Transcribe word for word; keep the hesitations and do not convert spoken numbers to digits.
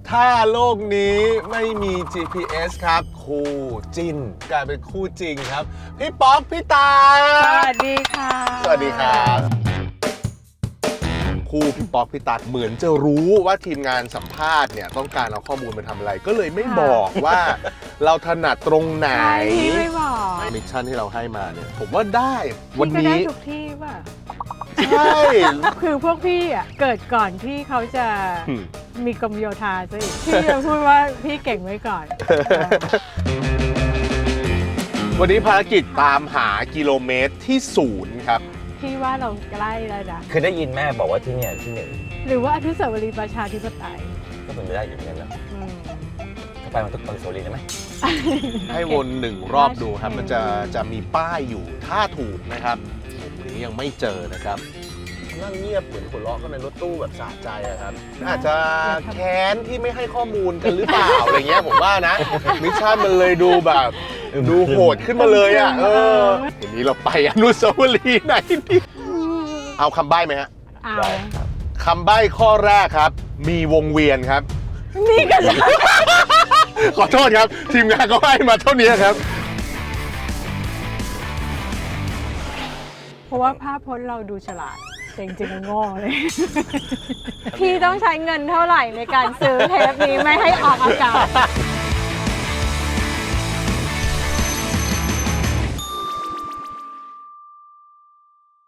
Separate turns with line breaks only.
ถ้าโลกนี้ไม่มี จี พี เอส ครับคู่จิ้นกลายเป็นคู่จริงครับพี่ป๊อกพี่ตา
สวัสดีค่ะ
สวัสดีครับคู่พี่ป๊อกพี่ตัดเหมือนจะรู้ว่าทีมงานสัมภาษณ์เนี่ยต้องการเอาข้อมูลมาทำอะไร ก็เลยไม่บอกว่าเราถนัดตรงไหน
ใช่พี่ไม่บอก
มิชชั่นที่เราให้มาเนี่ยผมว่าได้วัน
พี่ก็ได้
นี้
ทุกที่ป่ะ
ใช่
คือพวกพี่อ่ะเกิดก่อนที่เขาจะ
อืม
มีกรมโยธาซะอีกพี่จะพูดว่าพี่เก่งไว้ก่อน
วันนี้ภารกิจตามหากิโลเมตรที่ศูนย์ครับ
พี่ว่าเราใกล้แล้วนะ
คือได้ยินแม่บอกว่าที่เนี่ยที่หนึ่ง
หรือว่าอนุสาวรีย์ประชาธิปไตย
ก็เป็นไปได้อยู่เหมือนกันนะ
อืม
ถ้าไปมันทุกอนุสาวรีย์ได้ไหม
ให้วนหนึ่งรอบดูครับ มันจะจะมีป้ายอยู่ถ้าถูกนะครับผมนี้ยังไม่เจอนะครับนั่งเงียบเหมือนหัวเราะก็ในรถตู้แบบสะใจอะครับ อาจจะแค้นที่ไม่ให้ข้อมูลกันหรือเปล่า อะไรเงี้ยผมว่านะ มิชชั่นมันเลยดูแบบดูโหดขึ้นมาเลยอ่ะเออวันนี้เราไปอนุสาวรีย์ไหนดีเอาคำใบ้ไหมฮะ
เอา
ได้ครับ
คำใบ้ข้อแรกครับ มีวงเวียนครับ
นี่กันเลย
ขอโทษครับ ทีมงานก็ให้มาเท่านี้ครับ
เพราะว่าภาพพจน์เราดูฉลาดแต่จริงๆมันโง่เลย พี่ต้องใช้เงินเท่าไหร่ในการซื้อเทปนี้ไม่ให้ออกอากาศ